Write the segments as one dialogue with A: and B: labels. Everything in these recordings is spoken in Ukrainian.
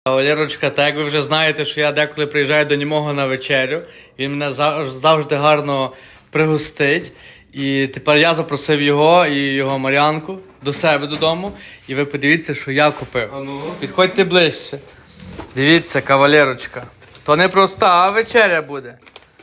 A: Валерочка, так як ви вже знаєте, що я деколи приїжджаю до німого на вечерю, він мене завжди гарно пригостить. І тепер я запросив його і його Мар'янку до себе додому. І ви подивіться, що я купив. Підходьте ближче. Дивіться, кавалерочка. То не проста вечеря буде.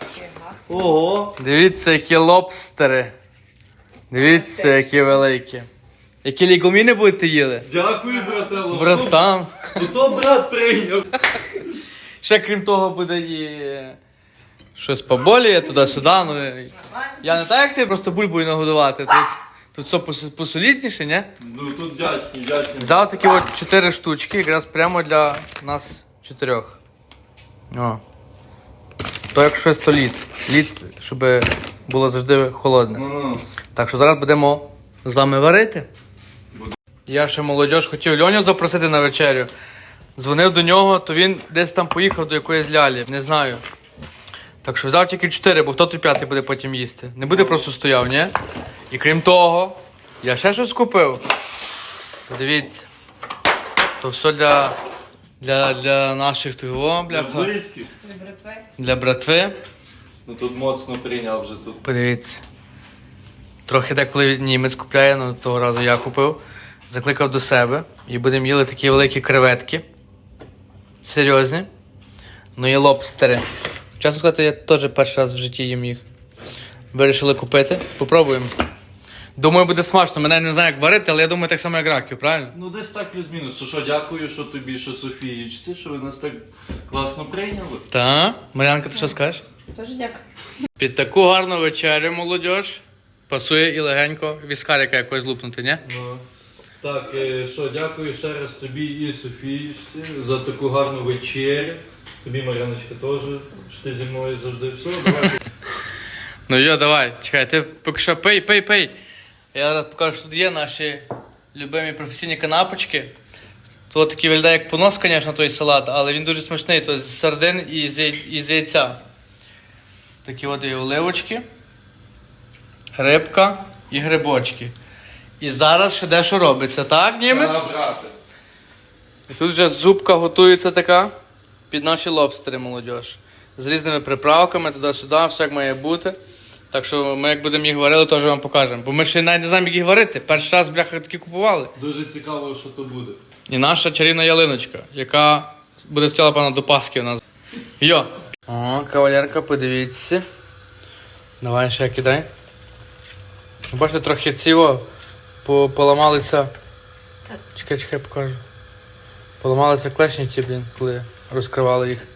B: Ого!
A: Дивіться, які лобстери. Дивіться, які великі. Які лігуміни будете їли?
B: Дякую, брателло.
A: Братан.
B: То брат прийняв.
A: Ще крім того буде і щось поболіє туди-сюди. Ну, я не так, як ти, просто бульбою нагодувати. Тут все посолідніше, ні?
B: Ну тут вдячні.
A: Взяв такі от 4 штучки, якраз прямо для нас 4. О. То як щось, то лід. Лід, щоб було завжди холодне.
B: Ну.
A: Так що зараз будемо з вами варити. Я ще молодіж хотів Льоню запросити на вечерю. Дзвонив до нього, то він десь там поїхав до якоїсь лялі, не знаю. Так що взяв тільки 4, бо хто той 5 буде потім їсти. Не буде просто стояв, ні? І крім того, я ще щось купив. Дивіться. То все для наших того, бляха.
B: Близьких.
A: Для братви.
B: Ну тут моцно прийняв вже тут.
A: Подивіться. Трохи деколи німець купляє, але того разу я купив. Закликав до себе. І будемо їли такі великі креветки. Серйозні. Ну і лобстери. Чесно сказати, я теж перший раз в житті їм їх. Вирішили купити. Попробуємо. Думаю, буде смачно. Мене не знаю, як варити, але я думаю, так само, як раків, правильно?
B: Ну десь так плюс-мінус. Що дякую, що тобі, що Софіїчці, що ви нас так класно прийняли.
A: Та, Мар'янка, ти що скажеш?
C: Дуже дякую.
A: Під таку гарну вечерю, молодіж, пасує і легенько віскарика якось лупнути, ні?
B: Ну. Так, що дякую ще раз тобі і Софіїчці за таку гарну вечерю. Тобі, Мар'яночка, теж, що ти зі мною завжди все. Давай.
A: Ну йо, давай, чекай, ти поки що пий. Я зараз покажу, що тут є наші любимі професійні канапочки. Тут такий виглядає як понос, звісно, той салат, але він дуже смачний. То з сардин і з яйця. Такі от і оливочки, рибка і грибочки. І зараз ще дещо робиться, так, німець?
B: Так, брате.
A: І тут вже зубка готується така під наші лобстери, молодіж. З різними приправками, туди-сюди, все як має бути. Так що ми як будемо їх варили, теж вам покажемо. Бо ми ще навіть не знаємо, як їх варити. Перший раз, бляха, такі купували.
B: Дуже цікаво, що то буде.
A: І наша чарівна ялиночка, яка буде стояла, певно, до Пасхи у нас. Йо! О, кавалерка, подивіться. Давай ще кидай. Бачите, трохи ціво поламалися. Чекай, покажу. Поламалися клешні ці, блін, коли розкривали їх.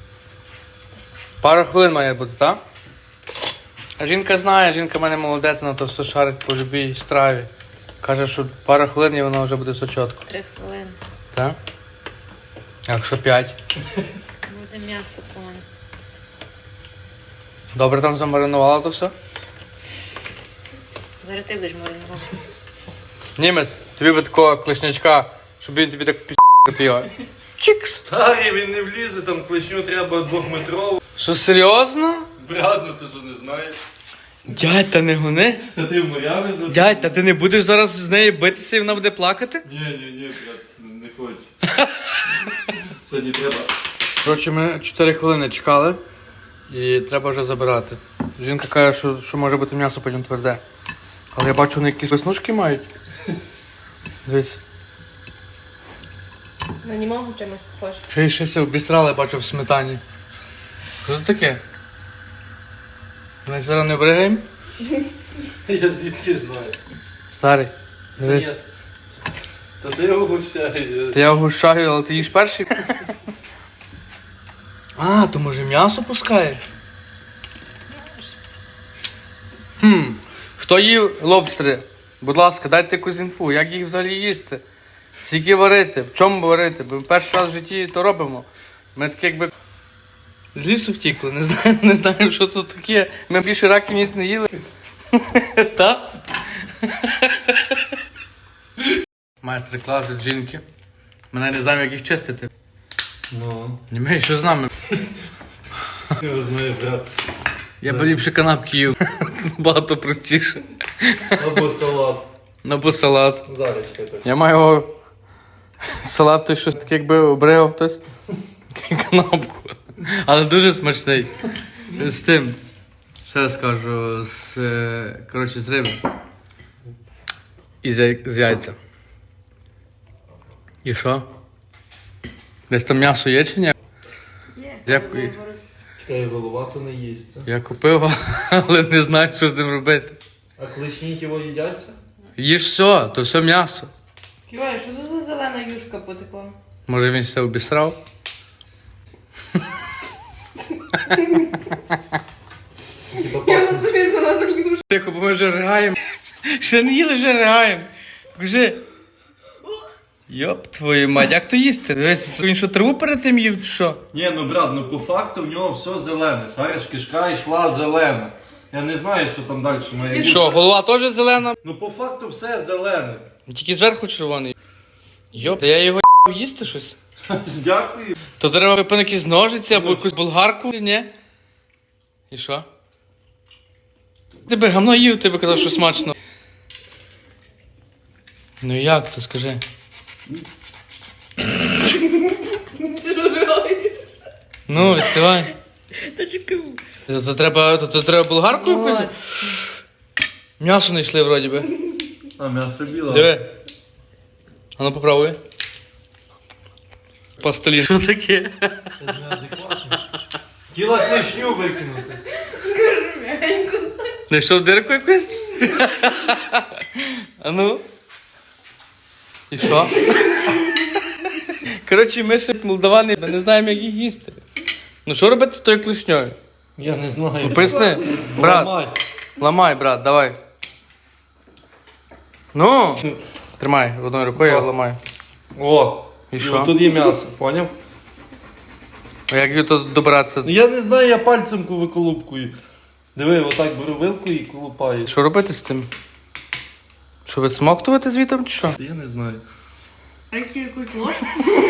A: Пару хвилин має бути, так? А жінка знає, жінка в мене молодець, вона то все шарить по любій страві. Каже, що пару хвилин і воно вже буде все чітко.
C: 3 хвилини.
A: Так? А якщо 5?
C: Буде м'ясо повне.
A: Добре там замаринувала то все?
C: Зараз ти будеш маринувати.
A: Німець, тобі би такого клешнячка, щоб він тобі так його. Чікс!
B: Старий, він не влізе, там клешню треба 2-метрову.
A: Що, серйозно?
B: Брат, ну ти що не знаєш?
A: Дядь, та не гони.
B: Та ти в Мар'яни завжди?
A: Дядь, та ти не будеш зараз з нею битися і вона буде плакати?
B: Ні, брат, не хочу. Сьогодні треба.
A: Коротше, ми 4 хвилини чекали і треба вже забирати. Жінка каже, що може бути м'ясо потім тверде. Але я бачу, вони якісь веснушки мають. Дивись.
C: На німого чимось похоже.
A: Ще й щось обістрали, бачу в сметані. Що це таке? Ми зараз не бригаємо?
B: Я звідки знаю.
A: Старий, дивись.
B: Та ти його гущаєш.
A: Та я вгущаю, але ти їш перший? А, то може м'ясо пускає? Хто їв лобстери? Будь ласка, дайте якусь інфу, як їх взагалі їсти? Скільки варити, в чому варити? Бо ми перший раз в житті то робимо. Ми такі якби з лісу втікли, не знаємо, що тут таке. Ми більше раків ніц не їли. Так? Майстер-клас від жінки. Мене не знаємо, як їх чистити.
B: Ну.
A: Німей, що з нами?
B: Я знаю, брат.
A: Я б ліпше канапки їв. Багато простіше.
B: Або салат.
A: Або салат.
B: Зараз чекай так.
A: Я маю Салат той щось таке, якби обригав хтось. Кнопку. Але дуже смачний. З тим. Ще раз кажу, коротше, з риби. І з яйця. І що? Десь там м'ясо є чи ні?
C: Є.
A: Дякую.
B: Чекай, голова то не їсться.
A: Я купив, але не знаю, що з ним робити.
B: А кличні його їдяться?
A: Їж все, то все м'ясо.
C: Йой, що це за зелена юшка потекла?
A: Може він все обісрав?
C: Я на тобі зелена юшка.
A: Тихо, бо ми вже ригаємо. Ще не їли, вже ригаємо. Покажи. Йоп, твою мать, як то їсти? Дивись, він що, траву перед тим їв, чи що?
B: Ні, ну брат, ну по факту в нього все зелене. Шариш, кишка йшла зелена. Я не знаю, що там далі має бути.
A: Що, голова теж зелена?
B: Ну по факту все зелене.
A: Тільки зверху червоний. Йоп, та я його їсти щось.
B: Дякую.
A: То треба випити якісь ножиці або якусь болгарку, ні? І що? Ти би гамно їв, ти би казав, що смачно. Ну як то, скажи? Ну, відкривай.
C: Та чекай.
A: То треба болгарку якусь? М'ясо не йшли вроді би.
B: А м'ясо біле.
A: Диви. А ну попробуй. Пластилін. Що таке?
B: Тіла клешню викинути.
A: Знайшов дирку якусь? А ну. І що? Коротше, ми ще молдавани, ми не знаємо, як їх їсти. Ну що робити з тою клешньою?
B: Я не знаю.
A: Ну поясни. Брат,
B: Ламай.
A: ламай, брат, давай. Ну. Тримай одною рукою, я ламаю.
B: О,
A: І
B: ну,
A: що?
B: тут є м'ясо, поняв?
A: А як її тут добиратися?
B: Ну, я не знаю, я пальцем виколупкую. Диви, отак беру вилку і колупаю.
A: Що робити з тим? Що відсмоктувати звітом чи що?
B: Я не знаю.
C: А які якусь ложку?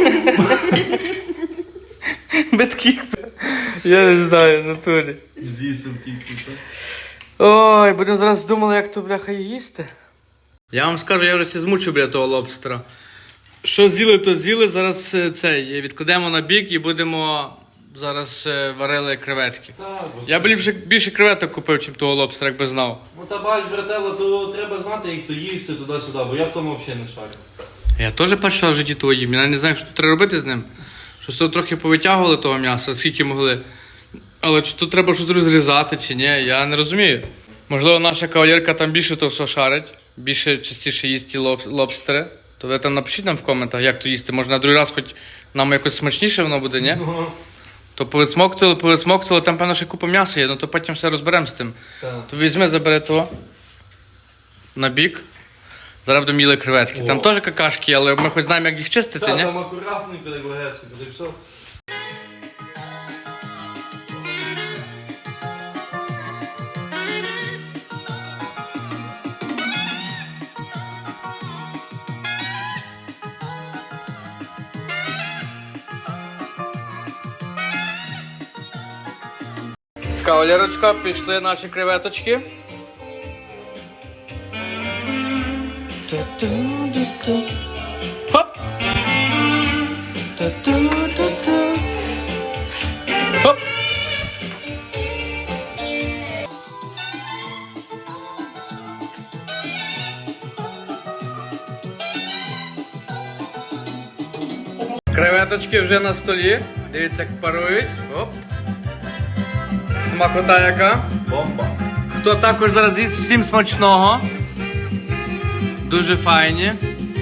A: Битків. Я не знаю, в натурі.
B: Вісом тільки, так?
A: Ой, будемо зараз думали, як то, бляха, їсти. Я вам скажу, я вже всі змучив, бля, того лобстера. Що з'їли, то з'їли. Зараз цей відкладемо на бік і будемо зараз варили креветки.
B: Так,
A: Я б більше креветок купив, чим того лобстера, якби знав.
B: Ну та бач, брателло, то треба знати, як то їсти туди-сюди, бо я в тому взагалі не шарю.
A: Я теж перший раз в житті того їм. Я не знаю, що тут треба робити з ним. Щось тут трохи повитягували того м'яса, скільки могли. Але чи тут треба щось розрізати, чи ні, я не розумію. Можливо, наша кавалерка там більше то все шарить, більше частіше їсть ті лобстери. То ви там напишіть нам в коментах, як то їсти. Може на другий раз хоч нам якось смачніше воно буде, ні? То повисмоктали, там певно ще купа м'яса є, ну то потім все розберемо з тим.
B: Так.
A: То візьми, забери того на бік. Зараз будемо їли креветки. Там
B: О.
A: теж какашки, але ми хоч знаємо, як їх чистити,
B: Та,
A: ні?
B: там акуратненько, так легесенько, та й все.
A: Кавалерочка, пішли наші креветочки. Хоп! Хоп! Креветочки вже на столі. Дивіться, як парують. Оп. Смакота яка.
B: Бомба.
A: Хто також зараз їсть, всім смачного. Дуже файні.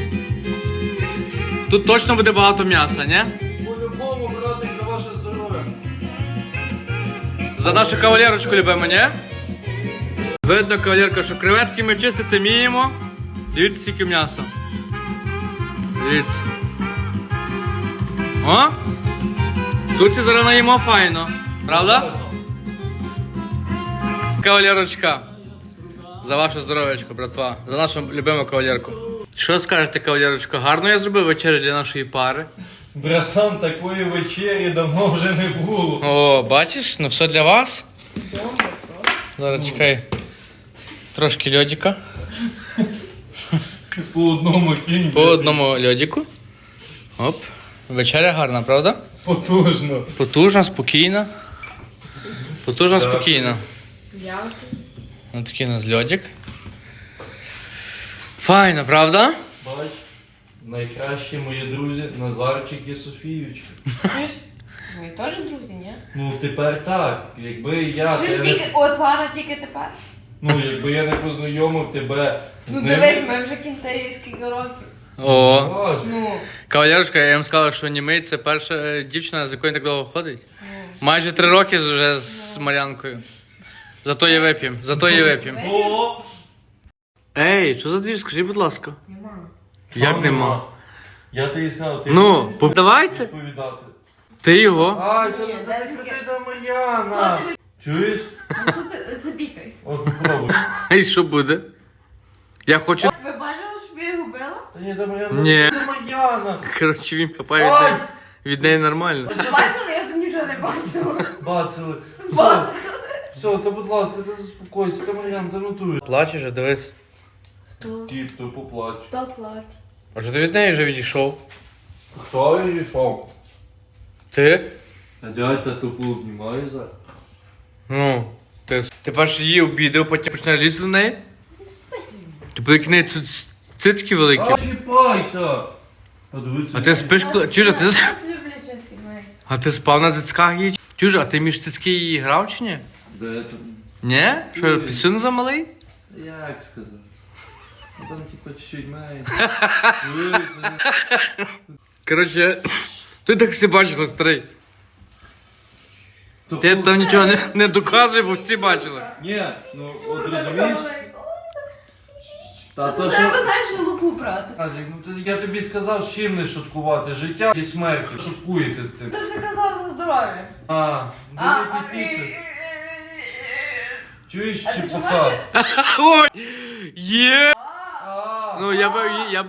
A: Тут точно буде багато м'яса, ні?
B: По-любому, братик, за ваше здоров'я.
A: За нашу кавалерочку любимо, ні? Видно, кавалерка, що креветки ми чистити вміємо. Дивіться, скільки м'яса. Дивіться. О! Тут ці зараз наїмо файно. Правда? Кавалерочка. За ваше здоров'ячко, братва. За нашу любиму кавалерку. Що скажете, кавалерочка? Гарно я зробив вечерю для нашої пари.
B: Братан, такої вечері давно вже не було.
A: О, бачиш? Ну все для вас. Зараз чекай. Трошки льодика.
B: По одному кінь.
A: По одному льодику. Оп. Вечеря гарна, правда?
B: Потужно.
A: Потужна, спокійна. Потужна,
B: Так.
A: спокійна.
C: Дякую.
A: Ось такий у нас льодик. Файно, правда?
B: Бач, найкращі мої друзі Назарчик і Софіючка.
C: Чуєш? Ви теж друзі, ні?
B: Ну тепер так, якби я
C: Чуєш,
B: тебе
C: тільки, от зараз тільки тепер.
B: ну якби я не познайомив тебе з
C: Ну
B: ним.
C: дивись, ми вже кінтарі скільки років.
A: О.
B: Боже,
C: Ну.
A: Кавалерушка, я вам сказав, що німий це перша дівчина, з якою так довго ходить. Майже 3 роки вже з Мар'янкою. Зато її вип'ємо, зато її вип'ємо.
B: О!
A: Ей, що за двір? Скажи, будь ласка.
C: Нема.
A: Як нема?
B: Я тобі сказав, ти
A: Ну,
B: будеш
A: давайте.
B: відповідати.
A: Ти його.
B: Ай,
C: Ні,
B: та
C: де
B: та
C: таке?
B: ти та Мар'яна. Чуєш?
C: Ну тут запікай.
B: От попробуй.
A: І що буде? Я хочу.
C: Ви бачили, що я губила?
B: Та ні, та Мар'яна.
A: Ні.
B: Та Мар'яна.
A: Коротше, він хапає від
B: Ай!
A: неї. Від неї нормально.
C: Ви бачили? Я тут нічого не бачила.
B: Бацили. Все,
C: Бачили.
B: все, та будь ласка, та заспокойся, та Мар'яна, та нотуй.
A: Плачеш же, дивись.
B: Дід, то поплач.
C: Хто плаче?
A: А що ти від неї вже відійшов?
B: Хто йшов?
A: Ти?
B: А дядька тупо обнімає зараз.
A: Ну, ти перш її обідав, потім почнеш лізти до неї? Ти буде кінеї цицьки великі.
B: А чіпайся! Подивіться.
A: А ти спиш, чужа, ти
C: Нас любляча сімей.
A: А ти спав на цицьках її? Чужа, а ти між цицьки її грав чи ні?
B: Де там?
A: Ні? Що, пісюн замалий?
B: Як сказати? Ну там типа чуть-чуть має.
A: Коротше, ти так всі бачили, старий. Ти там нічого не доказує, бо всі бачили.
B: Ні, ну от розумієш? Та то
C: Треба,
B: що...
C: знаєш, луку брати.
B: Назік, ну я тобі сказав, з чим не шуткувати. Життя і смерть. Шуткуєте з тим.
C: Ти вже казав за здоров'я.
B: А, великий піцер. Чуєш, чепуха?
A: Ой! Є!
B: А,
A: Ну, я